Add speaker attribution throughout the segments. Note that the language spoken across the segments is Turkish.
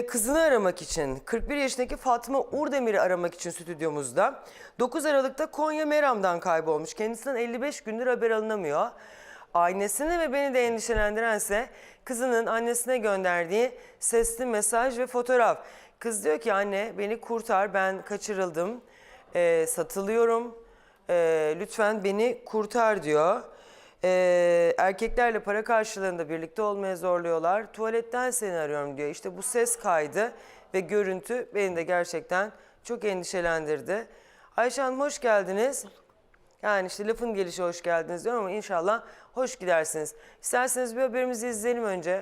Speaker 1: kızını aramak için, 41 yaşındaki Fatma Urdemir'i aramak için stüdyomuzda. 9 Aralık'ta Konya Meram'dan kaybolmuş. Kendisinden 55 gündür haber alınamıyor. Ailesini ve beni de endişelendirense kızının annesine gönderdiği sesli mesaj ve fotoğraf. Kız diyor ki anne beni kurtar, ben kaçırıldım, satılıyorum, lütfen beni kurtar diyor. Erkeklerle para karşılığında birlikte olmaya zorluyorlar. Tuvaletten seni arıyorum diyor. İşte bu ses kaydı ve görüntü beni de gerçekten çok endişelendirdi. Ayşe Hanım hoş geldiniz. Yani işte lafın gelişi hoş geldiniz diyorum ama inşallah hoş gidersiniz. İsterseniz bir haberimizi izleyelim önce.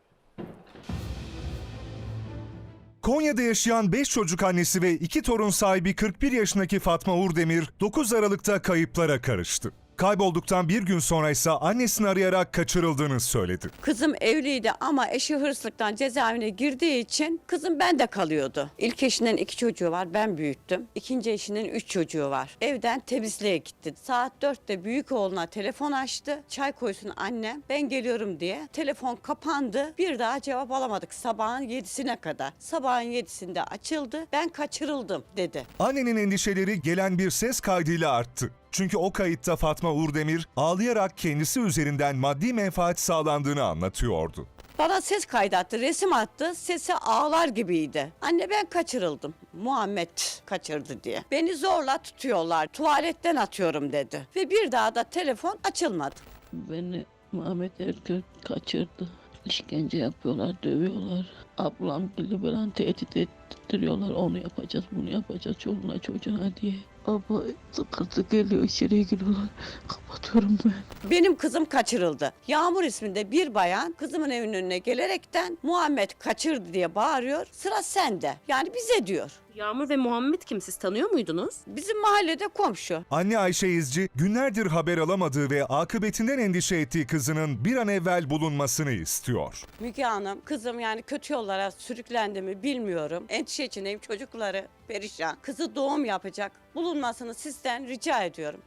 Speaker 2: Konya'da yaşayan 5 çocuk annesi ve 2 torun sahibi 41 yaşındaki Fatma Urdemir 9 Aralık'ta kayıplara karıştı. Kaybolduktan bir gün sonra ise annesini arayarak kaçırıldığını söyledi.
Speaker 3: Kızım evliydi ama eşi hırsızlıktan cezaevine girdiği için kızım bende kalıyordu. İlk eşinden 2 çocuğu var, ben büyüttüm. İkinci eşinin 3 çocuğu var. Evden temizliğe gitti. Saat 4'te büyük oğluna telefon açtı. Çay koysun annem, ben geliyorum diye. Telefon kapandı. Bir daha cevap alamadık sabahın 7'sine kadar. Sabahın 7'sinde açıldı. Ben kaçırıldım dedi.
Speaker 2: Annenin endişeleri gelen bir ses kaydıyla arttı. Çünkü o kayıtta Fatma Urdemir ağlayarak kendisi üzerinden maddi menfaat sağlandığını anlatıyordu.
Speaker 3: Bana ses kaydı attı, resim attı. Sesi ağlar gibiydi. Anne ben kaçırıldım. Muhammed kaçırdı diye. Beni zorla tutuyorlar. Tuvaletten atıyorum dedi. Ve bir daha da telefon açılmadı.
Speaker 4: Beni Muhammed Erkök kaçırdı. İşkence yapıyorlar, dövüyorlar. Ablam gibi böyle tehdit ettiriyorlar. Onu yapacağız, bunu yapacağız çoluğuna çocuğuna diye. Ama sıkıntı geliyor, içeriye giriyorlar. Kapatıyorum ben.
Speaker 3: Benim kızım kaçırıldı. Yağmur isminde bir bayan kızımın evinin önüne gelerekten Muhammed kaçırdı diye bağırıyor. Sıra sende. Yani bize diyor.
Speaker 5: Yağmur ve Muhammed kim? Siz tanıyor muydunuz?
Speaker 3: Bizim mahallede komşu.
Speaker 2: Anne Ayşe İzci günlerdir haber alamadığı ve akıbetinden endişe ettiği kızının bir an evvel bulunmasını istiyor.
Speaker 3: Müge Hanım, kızım yani kötü yollara sürüklendi mi bilmiyorum. Endişe içindeyim, çocukları perişan. Kızı doğum yapacak. Bulunmasını sizden rica ediyorum.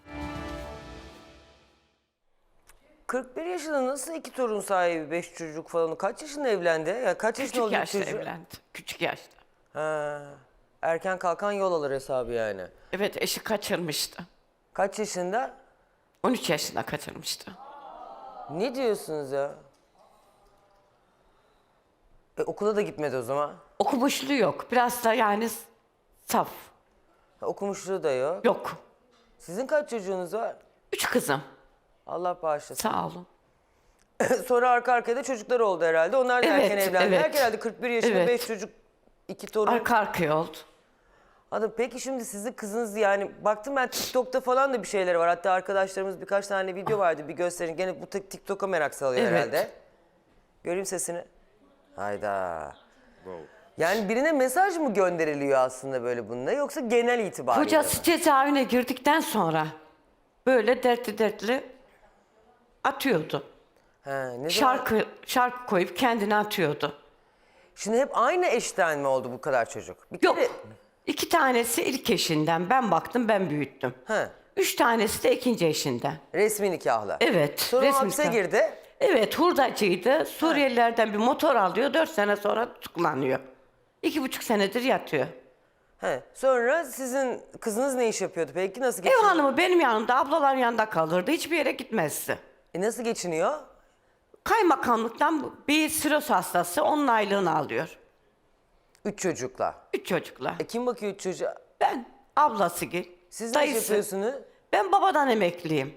Speaker 1: 41 yaşında nasıl 2 torun sahibi, 5 çocuk falan? Kaç yaşında evlendi? Ya kaç yaşında
Speaker 6: Küçük
Speaker 1: oldu
Speaker 6: yaşta
Speaker 1: çocuğu?
Speaker 6: evlendi. Küçük yaşta.
Speaker 1: Ha, erken kalkan yol alır hesabı yani.
Speaker 6: Evet, eşi kaçırmıştı.
Speaker 1: Kaç yaşında?
Speaker 6: 13 yaşında kaçırmıştı.
Speaker 1: Ne diyorsunuz ya? Okula da gitmedi o zaman.
Speaker 6: Okumuşluğu yok. Biraz da yani saf.
Speaker 1: Okumuşluğu da yok.
Speaker 6: Yok.
Speaker 1: Sizin kaç çocuğunuz var?
Speaker 6: 3 kızım.
Speaker 1: Allah bağışlasın.
Speaker 6: Sağ olun.
Speaker 1: Sonra arka arkaya da çocuklar oldu herhalde. Onlar da
Speaker 6: Evet,
Speaker 1: erken evlendiler.
Speaker 6: evet.
Speaker 1: Herhalde 41 yaşında
Speaker 6: Evet.
Speaker 1: 5 çocuk, 2 torun.
Speaker 6: Arka arkaya oldu.
Speaker 1: Anladım. Peki şimdi sizin kızınız yani baktım ben TikTok'ta falan da bir şeyler var. Hatta arkadaşlarımız birkaç tane video vardı bir gösterin. Gene bu TikTok'a merak salıyor
Speaker 6: Evet.
Speaker 1: herhalde. Göreyim sesini. Hayda. Yani birine mesaj mı gönderiliyor aslında böyle bununla yoksa genel itibariyle
Speaker 6: Kocası
Speaker 1: mi?
Speaker 6: cezaevine girdikten sonra böyle dertli atıyordu.
Speaker 1: He, ne zaman-
Speaker 6: Şarkı koyup kendini atıyordu.
Speaker 1: Şimdi hep aynı eşten mi oldu bu kadar çocuk? Bir
Speaker 6: Yok.
Speaker 1: kere-
Speaker 6: 2 tanesi ilk eşinden. Ben baktım, ben büyüttüm.
Speaker 1: He,
Speaker 6: 3 tanesi de ikinci eşinden.
Speaker 1: resmi nikahla.
Speaker 6: Evet.
Speaker 1: Sonra
Speaker 6: resmi
Speaker 1: hapse
Speaker 6: nikah.
Speaker 1: girdi.
Speaker 6: Evet, hurdacıydı. Suriyelilerden bir motor alıyor, 4 sene sonra tutuklanıyor. 2,5 senedir yatıyor.
Speaker 1: He. Sonra sizin kızınız ne iş yapıyordu peki? Nasıl
Speaker 6: Ev
Speaker 1: geçiniyor?
Speaker 6: hanımı benim yanımda, ablaların yanında kalırdı. Hiçbir yere gitmezdi.
Speaker 1: Nasıl geçiniyor?
Speaker 6: Kaymakamlıktan bir siroz hastası, onun aylığını alıyor.
Speaker 1: 3 çocukla.
Speaker 6: 3 çocukla.
Speaker 1: Kim bakıyor 3 çocuğa?
Speaker 6: Ben, ablası gel,
Speaker 1: Siz ne iş
Speaker 6: dayısı.
Speaker 1: yapıyorsunuz?
Speaker 6: Ben babadan emekliyim.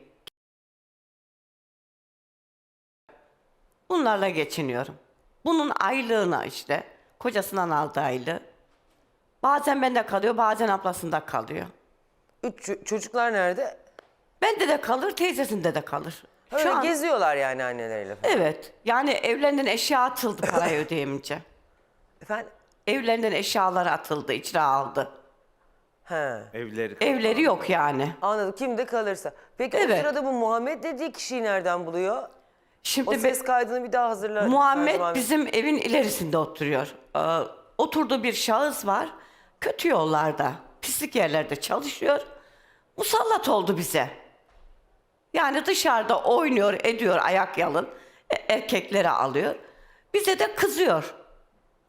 Speaker 6: Bunlarla geçiniyorum. Bunun aylığına işte, kocasından aldığı aylığı. Bazen bende kalıyor, bazen ablasında kalıyor.
Speaker 1: 3 çocuklar nerede?
Speaker 6: Bende de kalır, teyzesinde de kalır.
Speaker 1: Öyle geziyorlar yani anneleriyle falan.
Speaker 6: Evet, yani evlerinden eşya atıldı parayı ödeyemeyince.
Speaker 1: Efendim?
Speaker 6: Evlerinden eşyaları atıldı, icra aldı.
Speaker 1: He.
Speaker 6: Evleri yok yani.
Speaker 1: Anladım. Kimde kalırsa. Peki o
Speaker 6: Evet.
Speaker 1: sırada bu Muhammed dediği kişiyi nereden buluyor? O
Speaker 6: Şimdi
Speaker 1: ses kaydını bir daha hazırla.
Speaker 6: Muhammed bizim evin ilerisinde oturuyor. Oturduğu bir şahıs var. Kötü yollarda, pislik yerlerde çalışıyor. Musallat oldu bize. Yani dışarıda oynuyor, ediyor ayak yalın. Erkekleri alıyor. Bize de kızıyor.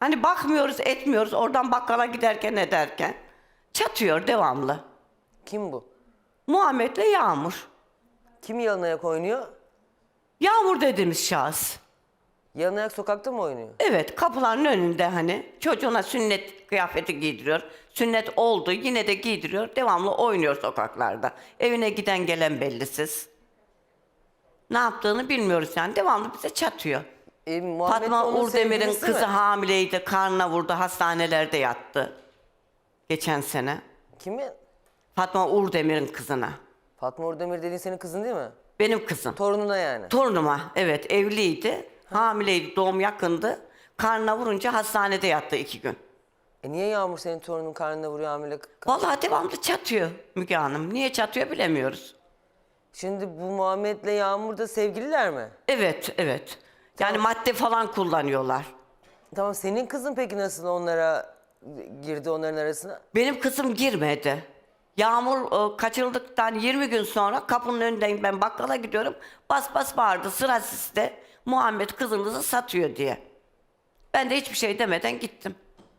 Speaker 6: Hani bakmıyoruz, etmiyoruz. Oradan bakkala giderken ederken çatıyor devamlı.
Speaker 1: Kim bu?
Speaker 6: Muhammed'le Yağmur.
Speaker 1: Kim yalın ayak oynuyor?
Speaker 6: Yağmur dediğimiz şahıs.
Speaker 1: Yalın ayak sokakta mı oynuyor?
Speaker 6: Evet, kapıların önünde hani çocuğuna sünnet kıyafeti giydiriyor. Sünnet oldu, yine de giydiriyor. Devamlı oynuyor sokaklarda. Evine giden gelen bellisiz. Ne yaptığını bilmiyoruz yani. Devamlı bize çatıyor.
Speaker 1: Muhammed
Speaker 6: Fatma
Speaker 1: onun
Speaker 6: Urdemir'in
Speaker 1: sevgilisi
Speaker 6: kızı
Speaker 1: mi?
Speaker 6: hamileydi, karnına vurdu, hastanelerde yattı. Geçen sene.
Speaker 1: Kimi?
Speaker 6: Fatma Urdemir'in kızına.
Speaker 1: Fatma Urdemir dediğin senin kızın değil mi?
Speaker 6: Benim kızım.
Speaker 1: Torununa yani.
Speaker 6: Torunuma, evet, evliydi. Hamileydi, doğum yakındı. Karnına vurunca hastanede yattı 2 gün.
Speaker 1: Niye Yağmur senin torunun karnına vuruyor hamile?
Speaker 6: Vallahi devamlı çatıyor Müge Hanım. Niye çatıyor bilemiyoruz.
Speaker 1: Şimdi bu Muhammed'le Yağmur da sevgililer mi?
Speaker 6: Evet, evet. Yani madde falan kullanıyorlar.
Speaker 1: Tamam, senin kızın peki nasıl onlara girdi, onların arasına?
Speaker 6: Benim kızım girmedi. Yağmur kaçırıldıktan 20 gün sonra kapının önündeyim, ben bakkala gidiyorum. Bas bas bağırdı, sıra sizde. Muhammed kızınızı satıyor diye. Ben de hiçbir şey demeden gittim.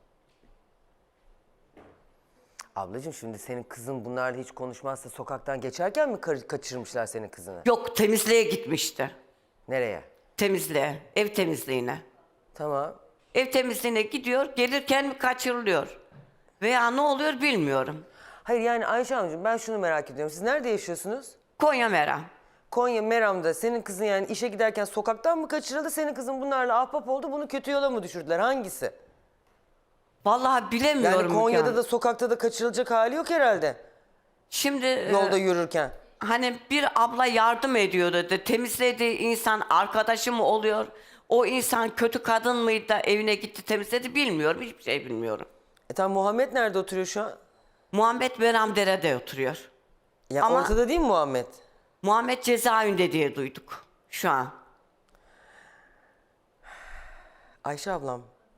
Speaker 1: Ablacığım şimdi senin kızın bunlarla hiç konuşmazsa sokaktan geçerken mi kaçırmışlar senin kızını?
Speaker 6: Yok, temizliğe gitmişti.
Speaker 1: Nereye?
Speaker 6: Temizliğe, ev temizliğine.
Speaker 1: Tamam.
Speaker 6: Ev temizliğine gidiyor, gelirken mi kaçırılıyor? Veya ne oluyor bilmiyorum.
Speaker 1: Hayır yani Ayşe Hanımcığım, ben şunu merak ediyorum. Siz nerede yaşıyorsunuz?
Speaker 6: Konya Meram.
Speaker 1: Konya Meram'da senin kızın yani işe giderken sokaktan mı kaçırıldı? Senin kızın bunlarla ahbap oldu, bunu kötü yola mı düşürdüler? Hangisi?
Speaker 6: Vallahi bilemiyorum.
Speaker 1: Yani Konya'da
Speaker 6: Müge
Speaker 1: da sokakta da kaçırılacak hali yok herhalde.
Speaker 6: Şimdi
Speaker 1: Yolda yürürken.
Speaker 6: hani bir abla yardım ediyor dedi. Temizlediği insan arkadaşı mı oluyor? O insan kötü kadın mıydı da evine gitti temizledi bilmiyorum. Hiçbir şey bilmiyorum.
Speaker 1: Tamam, Muhammed nerede oturuyor şu an?
Speaker 6: Muhammed Meramdere'de oturuyor.
Speaker 1: Ya
Speaker 6: Ama-
Speaker 1: ortada değil mi Muhammed?
Speaker 6: Muhammed cezaevinde diye duyduk şu an.
Speaker 1: Ayşe ablam.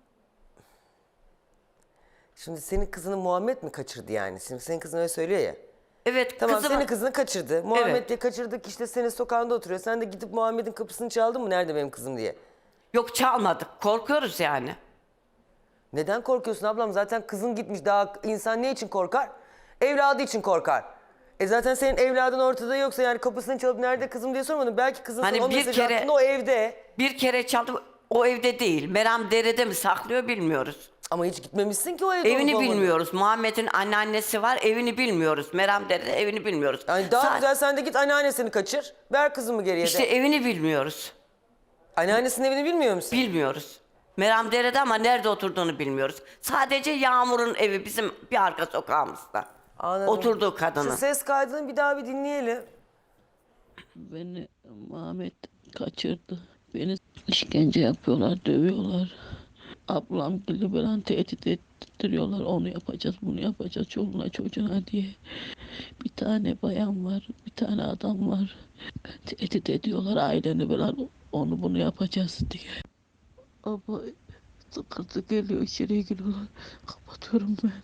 Speaker 1: Şimdi senin kızını Muhammed mi kaçırdı yani? Şimdi senin kızın öyle söylüyor ya.
Speaker 6: Evet,
Speaker 1: Tamam,
Speaker 6: kızım.
Speaker 1: senin kızını kaçırdı. Muhammed
Speaker 6: Evet.
Speaker 1: diye kaçırdık, işte senin sokağında oturuyor. Sen de gidip Muhammed'in kapısını çaldın mı? Nerede benim kızım diye.
Speaker 6: Yok, çalmadık. Korkuyoruz yani.
Speaker 1: Neden korkuyorsun ablam? Zaten kızın gitmiş. Daha insan ne için korkar? Evladı için korkar. Zaten senin evladın ortada yoksa yani kapısını çalıp nerede kızım diye sormadın. Belki kızın
Speaker 6: Hani
Speaker 1: sana o
Speaker 6: bir
Speaker 1: mesajı
Speaker 6: kere-
Speaker 1: attığında o evde.
Speaker 6: Bir kere çaldı, o evde değil. Meramdere'de mi saklıyor bilmiyoruz.
Speaker 1: Ama hiç gitmemişsin ki o evde.
Speaker 6: Evini
Speaker 1: olup olmadığını.
Speaker 6: bilmiyoruz. Muhammed'in anneannesi var, evini bilmiyoruz. Meramdere'de evini bilmiyoruz.
Speaker 1: Yani daha
Speaker 6: Sa-
Speaker 1: güzel sen de git anneannesini kaçır. Ver kızımı geriye
Speaker 6: İşte
Speaker 1: de.
Speaker 6: evini bilmiyoruz.
Speaker 1: Anneannesinin evini bilmiyor musun?
Speaker 6: Bilmiyoruz. Meramdere'de ama nerede oturduğunu bilmiyoruz. Sadece Yağmur'un evi bizim bir arka sokağımızda.
Speaker 1: Anladım.
Speaker 6: Oturduğu kadını.
Speaker 1: Şu ses kaydını bir daha bir dinleyelim.
Speaker 4: Beni Muhammed kaçırdı. Beni işkence yapıyorlar, dövüyorlar. Ablam gibi falan tehdit ettiriyorlar. Onu yapacağız, bunu yapacağız çoluğuna çocuğuna diye. Bir tane bayan var, bir tane adam var. Tehdit ediyorlar aileni falan. Onu bunu yapacağız diye. Ama sıkıntı geliyor, içeriye giriyorlar. Kapatıyorum ben.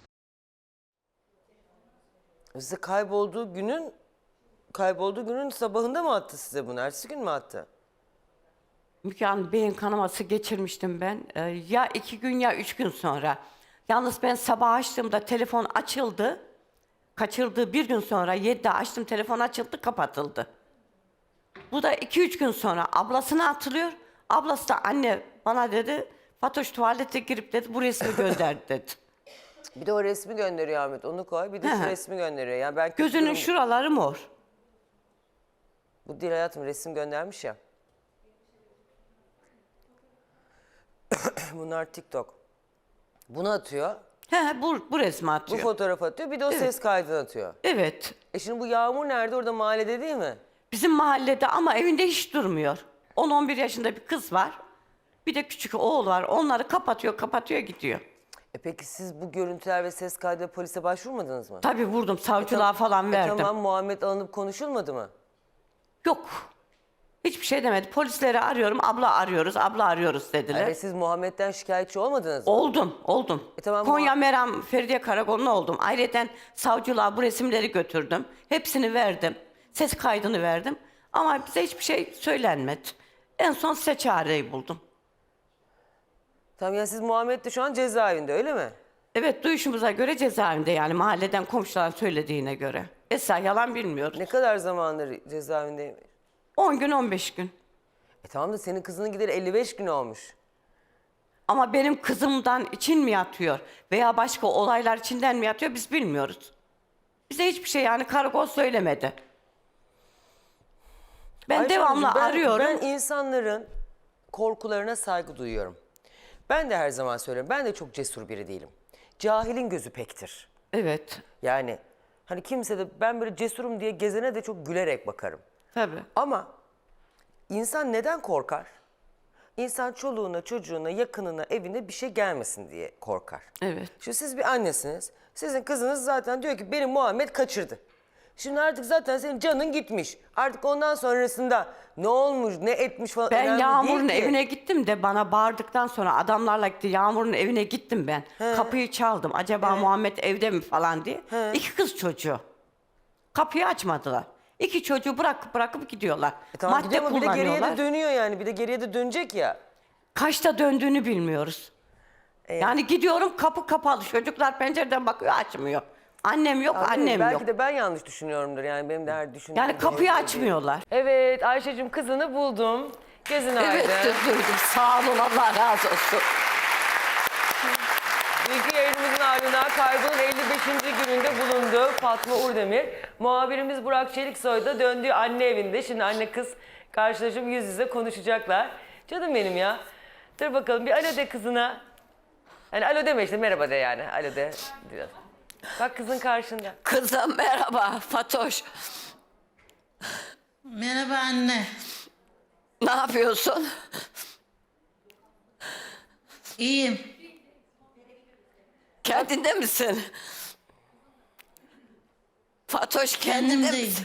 Speaker 1: Size kaybolduğu günün sabahında mı attı size bunu? Ertesi gün mü attı?
Speaker 6: Müge Hanım, beyin kanaması geçirmiştim ben. Ya 2 gün ya 3 gün sonra. Yalnız ben sabah açtığımda telefon açıldı. Kaçırdığı 1 gün sonra 7'de açtım, telefon açıldı, kapatıldı. Bu da 2-3 gün sonra ablasına atılıyor. Ablası da anne bana dedi, Fatoş tuvalete girip dedi bu resmi gönderdi dedi.
Speaker 1: Bir de o resmi gönderiyor Ahmet. Onu koy. Bir de şu
Speaker 6: He.
Speaker 1: resmi gönderiyor. Yani ben
Speaker 6: Gözünün şuraları mor.
Speaker 1: Bu değil hayatım, resim göndermiş ya. Bunlar TikTok. Bunu atıyor.
Speaker 6: Bu resmi
Speaker 1: Bu
Speaker 6: atıyor.
Speaker 1: fotoğraf atıyor. Bir de o ses kaydını atıyor.
Speaker 6: Evet.
Speaker 1: Şimdi bu Yağmur nerede? Orada mahallede değil mi?
Speaker 6: Bizim mahallede ama evinde hiç durmuyor. 10-11 yaşında bir kız var. Bir de küçük oğul var. Onları kapatıyor gidiyor.
Speaker 1: Peki siz bu görüntüler ve ses kaydı polise başvurmadınız mı?
Speaker 6: Tabii vurdum, savcılığa falan verdim.
Speaker 1: Tamam, Muhammed alınıp konuşulmadı mı?
Speaker 6: Yok. Hiçbir şey demedi. Polisleri arıyorum, abla arıyoruz dediler.
Speaker 1: Ve siz Muhammed'den şikayetçi olmadınız mı?
Speaker 6: Oldum.
Speaker 1: Tamam,
Speaker 6: Konya Meram Feridiye Karakolu'na oldum. Ayrıca savcılığa bu resimleri götürdüm. Hepsini verdim. Ses kaydını verdim. Ama bize hiçbir şey söylenmedi. En son size çareyi buldum.
Speaker 1: Tamam, yani siz Muhammed de şu an cezaevinde, öyle mi?
Speaker 6: Evet, duyuşumuza göre cezaevinde, yani mahalleden komşuların söylediğine göre. Esra yalan bilmiyor.
Speaker 1: Ne kadar zamandır cezaevindeyim?
Speaker 6: 10 gün 15 gün.
Speaker 1: Tamam da senin kızının gideri 55 gün olmuş.
Speaker 6: Ama benim kızımdan için mi yatıyor veya başka olaylar içinden mi yatıyor biz bilmiyoruz. Bize hiçbir şey, yani karakol söylemedi. Ben
Speaker 1: Ayşe
Speaker 6: devamlı
Speaker 1: Hanımcığım,
Speaker 6: arıyorum.
Speaker 1: Ben insanların korkularına saygı duyuyorum. Ben de her zaman söylüyorum. Ben de çok cesur biri değilim. Cahilin gözü pektir.
Speaker 6: Evet,
Speaker 1: Yani hani kimse de ben böyle cesurum diye gezene de çok gülerek bakarım.
Speaker 6: tabii.
Speaker 1: Ama insan neden korkar? İnsan çoluğuna, çocuğuna, yakınına, evine bir şey gelmesin diye korkar.
Speaker 6: Evet.
Speaker 1: Şimdi siz bir annesiniz. Sizin kızınız zaten diyor ki benim Muhammed kaçırdı. Şimdi artık zaten senin canın gitmiş. Artık ondan sonrasında ne olmuş, ne etmiş falan
Speaker 6: Ben
Speaker 1: önemli
Speaker 6: Yağmur'un
Speaker 1: değil ki.
Speaker 6: evine gittim de bana bağırdıktan sonra adamlarla gitti. Yağmur'un evine gittim ben. Kapıyı çaldım. Acaba Muhammed evde mi falan diye. 2 kız çocuğu. Kapıyı açmadılar. 2 çocuğu bırakıp gidiyorlar.
Speaker 1: Tamam,
Speaker 6: Madde
Speaker 1: gidiyor ama bir de geriye
Speaker 6: kullanıyorlar.
Speaker 1: de dönüyor yani. Bir de geriye de dönecek ya.
Speaker 6: Kaçta döndüğünü bilmiyoruz. Yani gidiyorum, kapı kapalı. Çocuklar pencereden bakıyor, açmıyor. Annem yok,
Speaker 1: Anladın mı?
Speaker 6: annem
Speaker 1: Belki
Speaker 6: yok.
Speaker 1: de ben yanlış düşünüyorumdur yani. Benim de her düşündüğüm
Speaker 6: Yani kapıyı
Speaker 1: gibi.
Speaker 6: açmıyorlar.
Speaker 1: Evet Ayşe'cim, kızını buldum. Gözün
Speaker 6: Evet,
Speaker 1: aydın.
Speaker 6: duydum. Sağ olun, Allah razı olsun.
Speaker 1: Dünkü yayınımızın ardından kaybının 55. gününde bulundu Fatma Urdemir. Muhabirimiz Burak Çeliksoy da döndüğü anne evinde. Şimdi anne kız karşılaşıp yüz yüze konuşacaklar. Canım benim ya. Dur bakalım bir alo de kızına. Yani alo deme işte, merhaba de yani. Alo de biraz. Bak kızın karşında.
Speaker 6: Kızım merhaba, Fatoş.
Speaker 7: Merhaba anne.
Speaker 6: Ne yapıyorsun?
Speaker 7: İyiyim.
Speaker 6: Kendinde misin? Fatoş, kendinde
Speaker 7: Kendimdeyim.
Speaker 6: misin?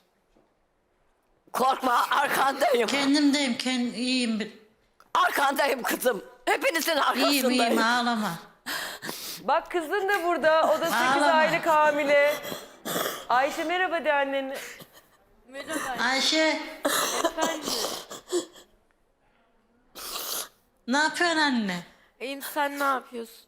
Speaker 6: Korkma, arkandayım.
Speaker 7: Kendimdeyim. İyiyim.
Speaker 6: Arkandayım kızım. Hepinizin arkasındayım.
Speaker 7: İyiyim ağlama.
Speaker 1: Bak kızın da burada. O da 8
Speaker 7: Ağlama.
Speaker 1: aylık hamile. Ayşe merhaba de annene.
Speaker 7: Ayşe. Ne yapıyorsun anne?
Speaker 8: İyiyim, sen ne yapıyorsun?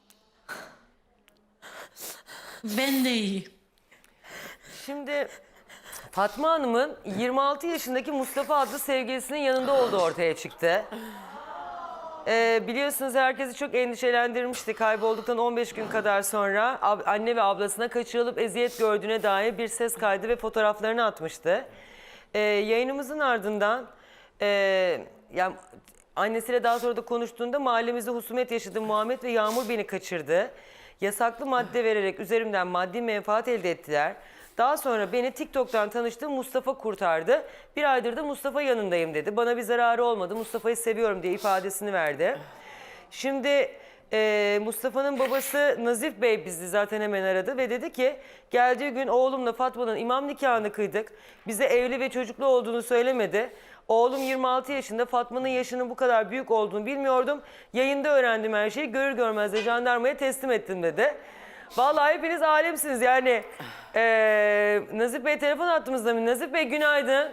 Speaker 7: Ben de iyiyim.
Speaker 1: Şimdi Fatma Hanım'ın 26 yaşındaki Mustafa adlı sevgilisinin yanında olduğu ortaya çıktı. Biliyorsunuz herkesi çok endişelendirmişti. Kaybolduktan 15 gün kadar sonra anne ve ablasına kaçırılıp eziyet gördüğüne dair bir ses kaydı ve fotoğraflarını atmıştı. Yayınımızın ardından yani annesiyle daha sonra da konuştuğunda mahallemizde husumet yaşadım, Muhammed ve Yağmur beni kaçırdı. Yasaklı madde vererek üzerimden maddi menfaat elde ettiler. Daha sonra beni TikTok'tan tanıştığım Mustafa kurtardı. Bir aydır da Mustafa yanındayım dedi. Bana bir zararı olmadı, Mustafa'yı seviyorum diye ifadesini verdi. Şimdi Mustafa'nın babası Nazif Bey bizi zaten hemen aradı ve dedi ki geldiği gün oğlumla Fatma'nın imam nikahını kıydık. Bize evli ve çocuklu olduğunu söylemedi. Oğlum 26 yaşında, Fatma'nın yaşının bu kadar büyük olduğunu bilmiyordum. Yayında öğrendim her şeyi, görür görmez de jandarmaya teslim ettim dedi. Vallahi hepiniz alemsiniz yani. Nazif Bey telefon attığımızda mı? Nazif Bey günaydın.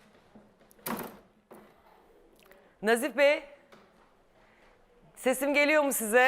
Speaker 1: Nazif Bey. Sesim geliyor mu size?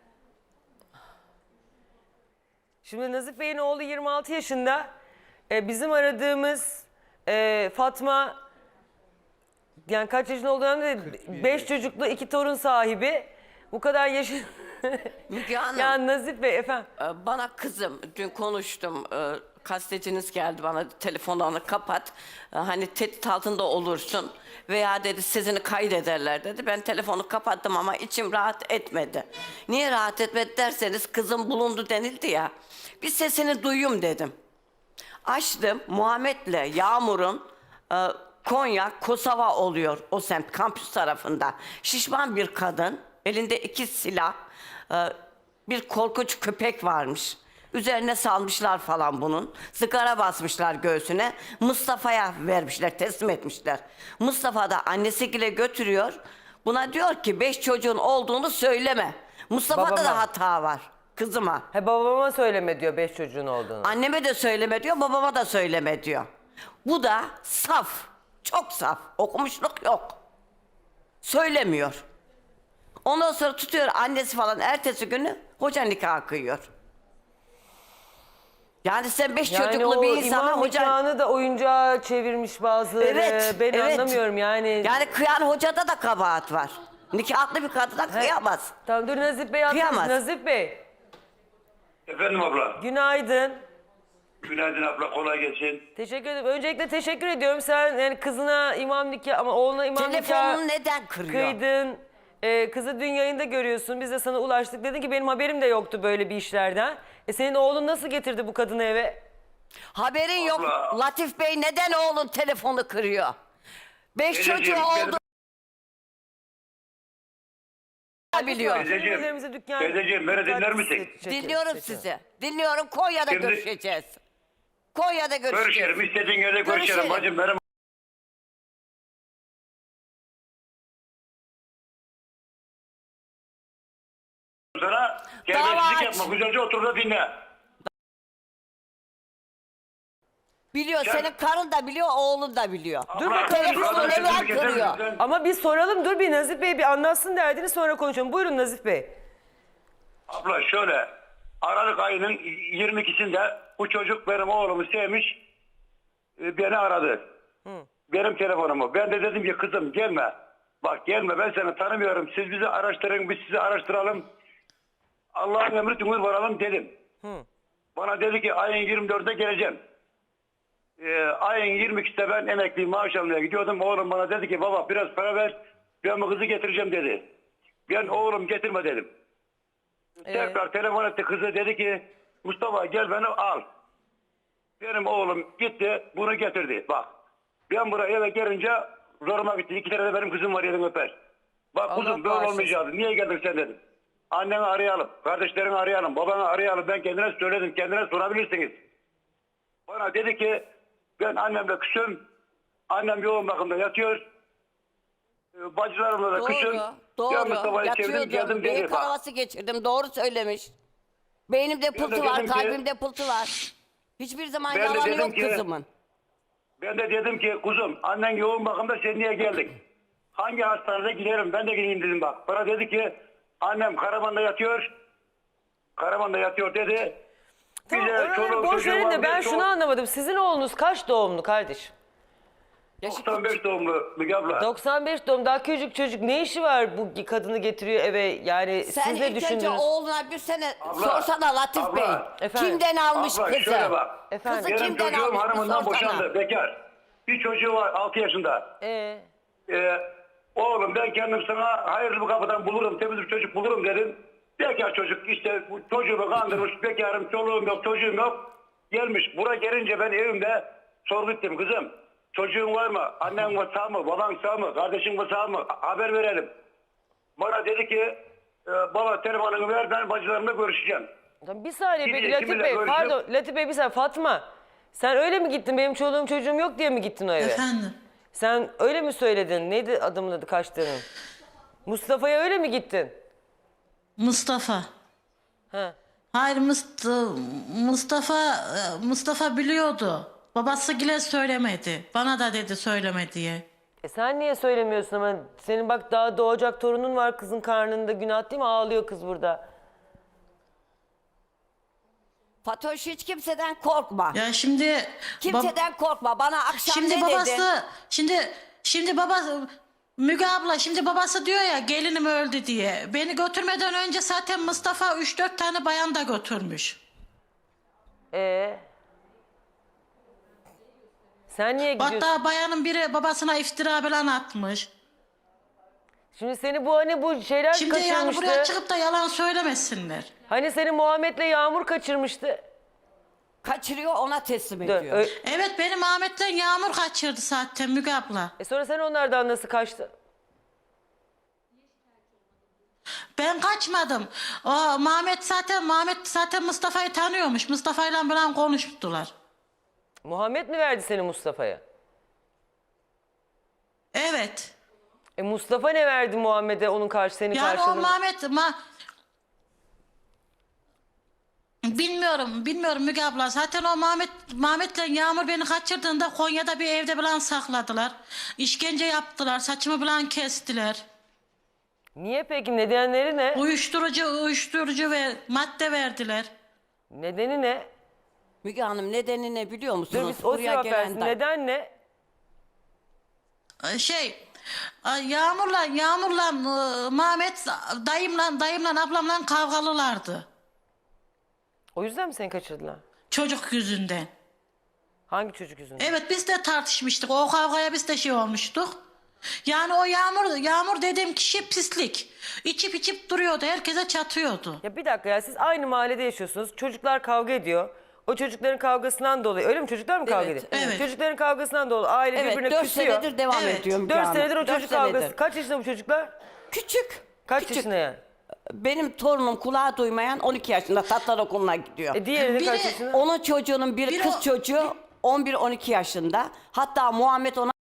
Speaker 1: Şimdi Nazif Bey'in oğlu 26 yaşında. Bizim aradığımız Fatma, yani kaç yaşında olduğu önemli değil. 5 çocuklu 2 torun sahibi. Bu kadar yaşı...
Speaker 6: Müge Hanım,
Speaker 1: Ya Nazif Bey efendim.
Speaker 6: bana kızım, dün konuştum. Gazeteciniz geldi bana, telefonlarını kapat. Hani tehdit altında olursun. Veya dedi sesini kaydederler dedi. Ben telefonu kapattım ama içim rahat etmedi. Niye rahat etmedi derseniz, kızım bulundu denildi ya. Bir sesini duyayım dedim. Açtım, Muhammed'le Yağmur'un Konya, Kosova oluyor o semt, kampüs tarafında. Şişman bir kadın, elinde 2 silah, bir korkunç köpek varmış. Üzerine salmışlar falan bunun. Sigara basmışlar göğsüne. Mustafa'ya vermişler, teslim etmişler. Mustafa da annesiyle götürüyor. Buna diyor ki 5 çocuğun olduğunu söyleme. Mustafa'da
Speaker 1: Babama.
Speaker 6: da hata var, kızıma.
Speaker 1: Babama söyleme diyor 5 çocuğun olduğunu.
Speaker 6: Anneme de söyleme diyor, babama da söyleme diyor. Bu da saf, çok saf. Okumuşluk yok. Söylemiyor. Ondan sonra tutuyor annesi falan ertesi günü hoca nikahı kıyıyor. Yani sen 5
Speaker 1: Yani
Speaker 6: çocuklu
Speaker 1: o
Speaker 6: bir insana
Speaker 1: imam
Speaker 6: hoca...
Speaker 1: nikahını da oyuncağa çevirmiş bazıları.
Speaker 6: Evet,
Speaker 1: Ben
Speaker 6: evet.
Speaker 1: anlamıyorum yani.
Speaker 6: Yani kıyan hocada da kabahat var. Nikahlı bir kadına kıyamaz.
Speaker 1: Tamam dur Nazif Bey atmış.
Speaker 6: Kıyamaz.
Speaker 1: Nazif Bey
Speaker 9: Efendim abla.
Speaker 1: günaydın.
Speaker 9: Günaydın abla, kolay gelsin.
Speaker 1: Teşekkür ederim. Öncelikle teşekkür ediyorum. Sen yani kızına imam nikah ama oğluna imam nikah
Speaker 6: Telefonunu neden kırıyor?
Speaker 1: kıydın. Kızı dün yayında görüyorsun. Biz de sana ulaştık. Dedin ki benim haberim de yoktu böyle bir işlerden. Senin oğlun nasıl getirdi bu kadını eve?
Speaker 6: Haberin yok.
Speaker 9: Abla.
Speaker 6: Latif Bey neden oğlun telefonu kırıyor? 5
Speaker 9: Teyzeciğim,
Speaker 6: çocuğu oldu. Biliyor.
Speaker 9: Teyzeciğim,
Speaker 1: Üzerimize dükkan-
Speaker 9: teyzeciğim, beni
Speaker 1: dikkat
Speaker 9: dinler misin?
Speaker 1: çekiyor-
Speaker 6: Dinliyorum
Speaker 1: çekiyor.
Speaker 6: sizi. Dinliyorum. Konya'da
Speaker 9: Şimdi-
Speaker 6: görüşeceğiz. Konya'da görüşeceğiz.
Speaker 9: Görüşelim, istediğin yerde görüşelim
Speaker 6: Görüşelim.
Speaker 9: bacım. Benim sana terbiyesizlik
Speaker 6: aç.
Speaker 9: yapma. Güzelce otur da dinle.
Speaker 6: Biliyor.
Speaker 9: Sen-
Speaker 6: Senin karın da biliyor, oğlun da biliyor.
Speaker 1: Dur
Speaker 9: Abla,
Speaker 1: bakalım.
Speaker 6: Telefonu
Speaker 9: abla,
Speaker 6: neden
Speaker 9: sözümü keser
Speaker 6: kırıyor?
Speaker 9: misin?
Speaker 1: Ama bir soralım. Dur bir Nazif Bey bir anlatsın derdini sonra konuşalım. Buyurun Nazif Bey.
Speaker 9: Abla şöyle, Aralık ayının 22'sinde bu çocuk benim oğlumu sevmiş, beni aradı. Benim telefonumu. Ben de dedim ki kızım gelme. Bak gelme, ben seni tanımıyorum. Siz bizi araştırın, biz sizi araştıralım. Allah'ın emri tümür varalım dedim. Bana dedi ki ayın 24'ünde geleceğim. Ayın 22'sinde ben emekli maaş almaya gidiyordum. Oğlum bana dedi ki baba biraz para ver, ben bu kızı getireceğim dedi. Ben oğlum getirme dedim. Tekrar telefon etti kızı, dedi ki Mustafa gel beni al. Benim oğlum gitti bunu getirdi. Bak ben buraya eve gelince zoruma gitti. 2 tane de benim kızım var, yedim öper. Bak
Speaker 1: Allah
Speaker 9: kuzum böyle
Speaker 1: bağışlasın.
Speaker 9: olmayacaktı. Niye geldin sen dedim. Anneni arayalım, kardeşlerini arayalım, babanı arayalım. Ben kendine söyledim, kendine sorabilirsiniz. Bana dedi ki ben annemle küsüm. Annem yoğun bakımda yatıyor. Bacılarımla da küsüm.
Speaker 6: Doğru.
Speaker 9: Ben Mustafa'yı sevdim,
Speaker 6: Yatıyordu.
Speaker 9: geldim
Speaker 6: Beyin
Speaker 9: dedi. Bak.
Speaker 6: kanaması geçirdim. Doğru söylemiş. Beynimde pıltı var,
Speaker 9: dedim ki-
Speaker 6: kalbimde pıltı var. Hiçbir zaman
Speaker 9: Ben de
Speaker 6: yalanı
Speaker 9: dedim
Speaker 6: yok
Speaker 9: ki-
Speaker 6: kızımın.
Speaker 9: Ben de dedim ki kuzum annen yoğun bakımda, sen niye geldin? Hangi hastanede giderim, ben de gideyim dedim bak. Bana dedi ki annem Karaman'da yatıyor. Karaman'da yatıyor dedi.
Speaker 1: Tamam
Speaker 9: Bize
Speaker 1: oraları
Speaker 9: çoluğu
Speaker 1: boş
Speaker 9: çocuğu
Speaker 1: verin
Speaker 9: var,
Speaker 1: de ben
Speaker 9: bir
Speaker 1: şunu anlamadım. Sizin oğlunuz kaç doğumlu kardeşim?
Speaker 9: 95 doğumlu Müge abla.
Speaker 1: 95 doğum daha küçük çocuk ne işi var bu kadını getiriyor eve yani
Speaker 6: Sen
Speaker 1: siz ne
Speaker 6: ilk önce
Speaker 1: düşündünüz?
Speaker 6: oğluna bir sene
Speaker 9: Abla,
Speaker 6: sorsana Latif
Speaker 9: abla.
Speaker 6: Bey.
Speaker 1: Efendim?
Speaker 6: Kimden almış
Speaker 9: Abla
Speaker 6: kızı?
Speaker 9: şöyle bak.
Speaker 1: Efendim?
Speaker 6: Kızı
Speaker 9: Benim
Speaker 6: kimden
Speaker 9: çocuğum
Speaker 6: almış bir
Speaker 9: hanımından
Speaker 6: sorsana.
Speaker 9: boşandı, bekar. Bir çocuğu var 6 yaşında. Oğlum ben kendim sana hayırlı bir kapıdan bulurum, temiz bir çocuk bulurum dedim. Bekar çocuk işte bu çocuğumu kandırmış, bekarım, çoluğum yok, çocuğum yok. Gelmiş buraya gelince ben evimde sorgu ettim, kızım çocuğun var mı, annen var sağ mı, baban sağ mı, kardeşin var sağ mı, haber verelim. Bana dedi ki baba telefonunu ver, ben bacılarımla görüşeceğim.
Speaker 1: Tamam, bir saniye
Speaker 9: Bir
Speaker 1: peki
Speaker 9: de
Speaker 1: Latif
Speaker 9: kiminle
Speaker 1: Bey
Speaker 9: görüşüyor?
Speaker 1: pardon Latif Bey bir saniye Fatma. Sen öyle mi gittin benim çoluğum çocuğum yok diye mi gittin o eve?
Speaker 7: Efendim.
Speaker 1: Sen öyle mi söyledin? Neydi adamın adı kaçtığının? Mustafa'ya öyle mi gittin?
Speaker 7: Mustafa.
Speaker 1: Ha.
Speaker 7: Hayır Mustafa biliyordu. Babası bile söylemedi. Bana da dedi söyleme diye.
Speaker 1: Sen niye söylemiyorsun ama senin bak daha doğacak torunun var kızın karnında günah değil mi? Ağlıyor kız burada.
Speaker 6: Fatoş hiç kimseden korkma.
Speaker 7: Ya şimdi
Speaker 6: Kimseden korkma. Bana akşam
Speaker 7: şimdi
Speaker 6: ne
Speaker 7: babası
Speaker 6: dedin?
Speaker 7: şimdi babası Müge abla şimdi babası diyor ya gelinim öldü diye. Beni götürmeden önce zaten Mustafa 3-4 tane bayan da götürmüş.
Speaker 1: Sen niye gidiyorsun?
Speaker 7: Hatta bayanın biri babasına iftira falan atmış.
Speaker 1: Şimdi seni bu hani bu şeyler
Speaker 7: Şimdi yani
Speaker 1: kaçırmıştı.
Speaker 7: buraya çıkıp da yalan söylemesinler.
Speaker 1: Hani seni Muhammed'le Yağmur kaçırmıştı.
Speaker 6: Kaçırıyor ona teslim
Speaker 1: Dön,
Speaker 6: ediyor.
Speaker 7: Evet benim Ahmet'ten Yağmur kaçırdı zaten Müge abla.
Speaker 1: Sonra sen onlardan nasıl kaçtın?
Speaker 7: Ben kaçmadım. O Mehmet zaten Mustafa'yı tanıyormuş. Mustafa'yla falan konuştular.
Speaker 1: Muhammed mi verdi seni Mustafa'ya?
Speaker 7: Evet.
Speaker 1: Mustafa ne verdi Muhammed'e onun senin
Speaker 7: Yani o
Speaker 1: karşılığında?
Speaker 7: Bilmiyorum Müge abla. Zaten o Mehmet'le Yağmur beni kaçırdığında Konya'da bir evde falan sakladılar. İşkence yaptılar. Saçımı falan kestiler.
Speaker 1: Niye peki? Nedenleri ne?
Speaker 7: Uyuşturucu ve madde verdiler.
Speaker 1: Nedeni ne?
Speaker 6: Müge Hanım nedeni ne biliyor
Speaker 1: Dur
Speaker 6: musunuz?
Speaker 1: biz o cevap versin. Neden ne?
Speaker 7: Yağmur'la Mehmet dayımla ablamla kavgalılardı.
Speaker 1: O yüzden mi seni kaçırdılar?
Speaker 7: Çocuk yüzünden.
Speaker 1: Hangi çocuk yüzünden?
Speaker 7: Evet biz de tartışmıştık. O kavgaya biz de şey olmuştuk. Yani o Yağmur dediğim kişi pislik. İçip duruyordu. Herkese çatıyordu.
Speaker 1: Ya bir dakika ya, siz aynı mahallede yaşıyorsunuz. Çocuklar kavga ediyor. O çocukların kavgasından dolayı, öyle mi? Çocuklar mı kavga ediyor?
Speaker 7: evet.
Speaker 1: Çocukların kavgasından dolayı aile
Speaker 6: Evet,
Speaker 1: birbirine
Speaker 6: 4
Speaker 1: küsüyor.
Speaker 6: senedir devam
Speaker 7: Evet.
Speaker 6: ediyor Müge
Speaker 1: 4
Speaker 6: Hanım.
Speaker 1: senedir o
Speaker 6: 4
Speaker 1: çocuk
Speaker 6: senedir.
Speaker 1: kavgası. Kaç yaşında bu çocuklar?
Speaker 6: Küçük.
Speaker 1: Kaç
Speaker 6: küçük.
Speaker 1: yaşında yani?
Speaker 6: Benim torunum kulağı duymayan 12 yaşında Tatlar Okulu'na gidiyor.
Speaker 1: Diğeri de
Speaker 7: Biri-
Speaker 1: kaç yaşında?
Speaker 6: Onun çocuğunun biri
Speaker 7: Biri
Speaker 6: kız
Speaker 7: o-
Speaker 6: çocuğu 11-12 yaşında. Hatta Muhammed ona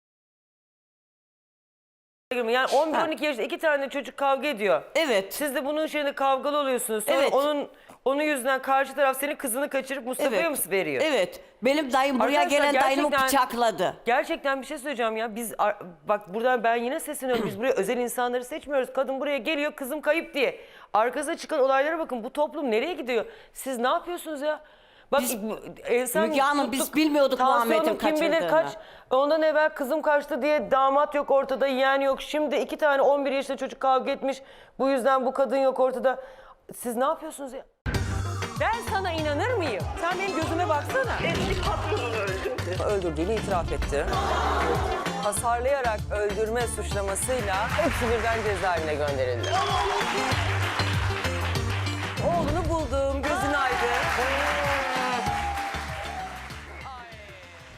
Speaker 1: Yani 11-12 yaşında 2 tane çocuk kavga ediyor.
Speaker 6: evet.
Speaker 1: Siz de bunun şeyinde kavgalı oluyorsunuz. Sonra
Speaker 6: Evet.
Speaker 1: onun yüzünden karşı taraf senin kızını kaçırıp Mustafa'ya mı veriyor?
Speaker 6: Evet. Benim dayım buraya
Speaker 1: Arkadaşlar,
Speaker 6: gelen dayımı
Speaker 1: gerçekten-
Speaker 6: bıçakladı.
Speaker 1: Gerçekten bir şey söyleyeceğim ya. Bak buradan ben yine sesleniyorum. Biz buraya özel insanları seçmiyoruz. Kadın buraya geliyor, kızım kayıp diye. Arkasına çıkan olaylara bakın. Bu toplum nereye gidiyor? Siz ne yapıyorsunuz ya? Bak insan
Speaker 6: Müge Hanım, biz bilmiyorduk
Speaker 1: tansiyonum
Speaker 6: Muhammed'in
Speaker 1: kim bilir
Speaker 6: kaçırdığını.
Speaker 1: kaç. Ondan evvel kızım kaçtı diye damat yok ortada, yeğen yok. Şimdi 2 tane 11 yaşında çocuk kavga etmiş. Bu yüzden bu kadın yok ortada. Siz ne yapıyorsunuz ya? Ben sana inanır mıyım? Sen benim gözüme baksana.
Speaker 10: Eski patronunu öldürdü.
Speaker 1: Öldürdüğünü itiraf etti. Hasarlayarak öldürme suçlamasıyla hepsi birden cezaevine gönderildi.